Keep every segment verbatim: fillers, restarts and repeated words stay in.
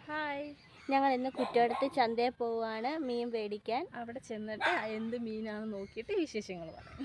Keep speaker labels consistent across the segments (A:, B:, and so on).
A: Hi, ഞങ്ങൾ ഇന്ന് കുറ്റടുത്ത് ചന്തയിൽ പോവുകയാണ് മീൻ മേടിക്കാൻ.
B: അവിടെ ചെന്നിട്ട് എന്ത് മീനാണെന്ന് നോക്കിയിട്ട് വിശേഷങ്ങൾ പറയാം.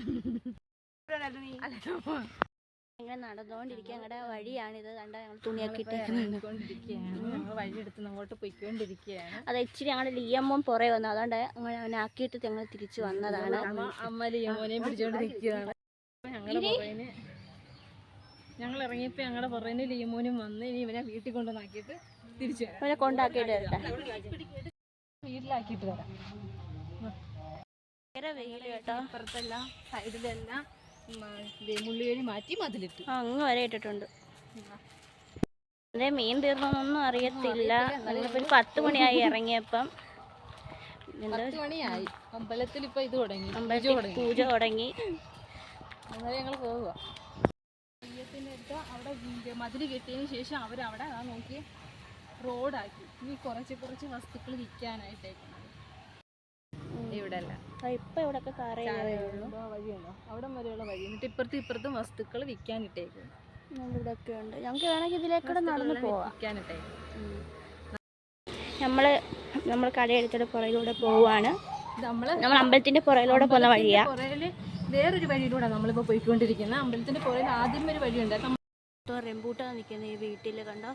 A: ഞങ്ങൾ നടന്നുകൊണ്ടിരിക്കുക. ഞങ്ങളുടെ വഴിയാണിത്. കണ്ട ഞങ്ങൾ തുണിയൊക്കെ ഇട്ടേക്കൊണ്ടിരിക്കുകയാണ്.
B: ഞങ്ങൾ വഴിയെടുത്ത് അങ്ങോട്ട് പോയിക്കൊണ്ടിരിക്കുകയാണ്.
A: അത് ഇച്ചിരി ഞങ്ങളുടെ ലിയമ്മോൻ പുറകെ വന്നു, അതുകൊണ്ട് അങ്ങനെ അവനെ ആക്കിയിട്ട് ഞങ്ങൾ തിരിച്ചു വന്നതാണ്.
B: അമ്മ ലിയമ്മോനെയും പിടിച്ചോണ്ടിരിക്കുകയാണ്. ഞങ്ങളുടെ പുറകിന് ഞങ്ങൾ ഇറങ്ങിയപ്പോൾ ഞങ്ങളുടെ പുറകിന് ലിയമ്മോനും വന്ന് ഇനി ഇവനെ വീട്ടിൽ കൊണ്ടുവന്നാക്കിയിട്ട് തിരിച്ചു
A: അവനെ കൊണ്ടാക്കിയിട്ട് വരട്ടെ,
B: വീട്ടിലാക്കിയിട്ട് വരാം.
A: ഭയങ്കര വെയിൽ കേട്ടോ.
B: അപ്പുറത്തെല്ലാം സൈഡിലെല്ലാം മുള്ളിയേഴി മാറ്റി മതിലിട്ട്
A: അങ്ങ് വരെ ഇട്ടിട്ടുണ്ട്. അതെ, മീൻ തീർന്നൊന്നും അറിയത്തില്ല. നമ്മളിപ്പോൾ ഒരു പത്ത് മണിയായി ഇറങ്ങിയപ്പം.
B: പത്ത് മണിയായി. അമ്പലത്തിൽ ഇപ്പൊ ഇത് തുടങ്ങി,
A: അമ്പലത്തിൽ പൂജ തുടങ്ങി.
B: അന്നേരം ഞങ്ങൾ പോവുക. തെയ്യത്തിൻ്റെ അടുത്ത് അവിടെ മതിൽ കെട്ടിയതിന് ശേഷം അവരവിടെ ആ നോക്കി റോഡാക്കി. ഇനി കുറച്ച് കുറച്ച് വസ്തുക്കൾ വിൽക്കാനായിട്ടേക്കുന്നത് ഇവിടെ അല്ല.
A: ഇപ്പം ഇവിടെയൊക്കെ
B: വഴിയുണ്ടോ അവിടം വരെയുള്ള വഴി. എന്നിട്ട് ഇപ്പുറത്തും ഇപ്പുറത്തും വസ്തുക്കൾ വിൽക്കാനിട്ടേക്കും.
A: ഇവിടെയൊക്കെ ഉണ്ട്. ഞങ്ങൾക്ക് വേണമെങ്കിൽ ഇതിലേക്കൂടെ നടന്ന് പോവാം.
B: വിൽക്കാനിട്ടേക്കും.
A: നമ്മൾ നമ്മൾ കടയെടുത്തിട്ട് പുറകിലൂടെ പോവാണ്.
B: നമ്മൾ
A: നമ്മൾ അമ്പലത്തിന്റെ പുറകിലൂടെ പോകുന്ന വഴിയാ.
B: പുറകില് വേറൊരു വഴിയിലൂടെ നമ്മളിപ്പോൾ പോയിക്കൊണ്ടിരിക്കുന്നത്. അമ്പലത്തിന്റെ പുറകിൽ ആദ്യം ഒരു വഴിയുണ്ട്.
A: റെമ്പൂട്ടാ നിൽക്കുന്ന ഈ വീട്ടിൽ കണ്ടോ,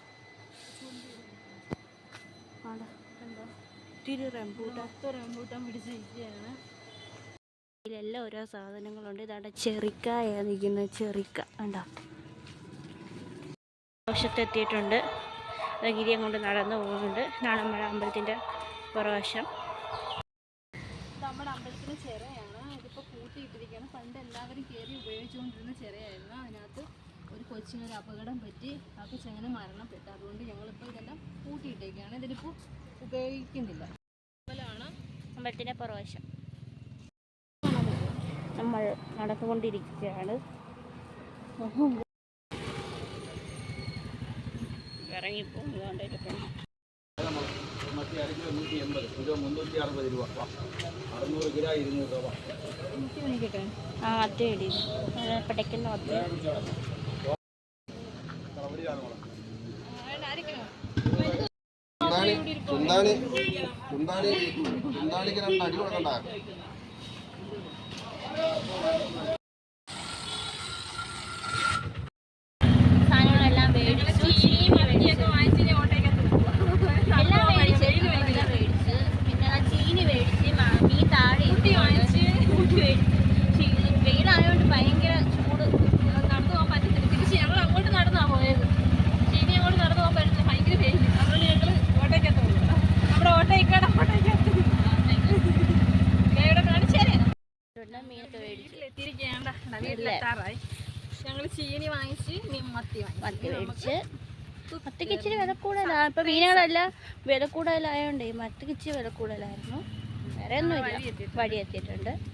A: കണ്ടോ ഒത്തിരി റെമ്പൂട്ടാൻ
B: റെമ്പൂട്ടാൻ പിടിച്ചിരിക്കുകയാണ്.
A: ഇതിലെല്ലാം ഓരോ സാധനങ്ങളുണ്ട്. ഇതാണ്ട് ചെറിക്കായ നിൽക്കുന്നത്, ചെറിക്ക കണ്ടോ. വശത്തെത്തിയിട്ടുണ്ട്. ഗിരിയം കൊണ്ട് നടന്നു പോകുന്നുണ്ട്. ഇതാണ് നമ്മുടെ അമ്പലത്തിൻ്റെ പുറവശം.
B: നമ്മുടെ അമ്പലത്തിന് ചിറയാണ്. ഇതിപ്പോൾ കൂട്ടിയിട്ടിരിക്കുകയാണ്. പണ്ട് എല്ലാവരും കയറി ഉപയോഗിച്ചുകൊണ്ടിരുന്ന ചിറയായിരുന്നു. അതിനകത്ത് ഒരു കൊച്ചിനൊരു അപകടം പറ്റി, ആ കൊച്ചങ്ങനെ മരണപ്പെട്ടു. അതുകൊണ്ട് ഞങ്ങളിപ്പോൾ ഇതെല്ലാം കൂട്ടിയിട്ടേക്കാണ്. ഇതിലിപ്പോൾ ഉപയോഗിക്കുന്നില്ല. അമ്പലമാണ്
A: അമ്പലത്തിൻ്റെ പുറവശം. നമ്മൾ നടന്നുകൊണ്ടിരിക്കുകയാണ്. ഇറങ്ങിപ്പോകുന്നതുകൊണ്ടിരിക്കുന്നു. ആ അത്തേടി പടയ്ക്കുന്ന ഒത്തേ
C: ചുന്താണി ചുന്താണി ചുന്താണിക്ക് രണ്ട് അടി കൊടുക്കണ്ട.
A: സാധനങ്ങളെല്ലാം മേടിച്ചു. എല്ലാം മേടിച്ച് എല്ലാം മേടിച്ച് പിന്നെ ചീനി മേടിച്ച് മീൻ താഴെ വെയിലായതുകൊണ്ട് ഭയങ്കര ചൂട്.
B: നടന്നു പോകാൻ പറ്റത്തില്ല. തിരിച്ച് ഞങ്ങൾ അങ്ങോട്ട് നടന്നാണ് പോയത്. ചീനി അങ്ങോട്ട് നടന്നു പോകാൻ പറ്റില്ല, ഭയങ്കര വെയിൽ. അതുകൊണ്ട് ഞങ്ങൾ ഓട്ടോയ്ക്കകത്ത് പോകും. നമ്മുടെ ഓട്ടോയ്ക്കാണ് ഓട്ടോയ്ക്കകത്ത് ഇവിടെ കാണിച്ചു തരാം.
A: മീനൊക്കെ മേടിച്ച്
B: എത്തിയിരിക്കുകയാണ്. വീട്ടിലെത്താറായി. ഞങ്ങൾ ചീനി വാങ്ങിച്ച് മീൻ മത്തി
A: മത്തി മേടിച്ച്. മത്തിക്ക് ഇച്ചിരി വില കൂടുതലാണ്. ഇപ്പം മീനുകളെല്ലാം വില കൂടുതലായതുകൊണ്ട് മത്തിക്ക് ഇച്ചിരി വില കൂടുതലായിരുന്നു. വേറെ ഒന്നുമില്ല. വഴി എത്തിയിട്ടുണ്ട്.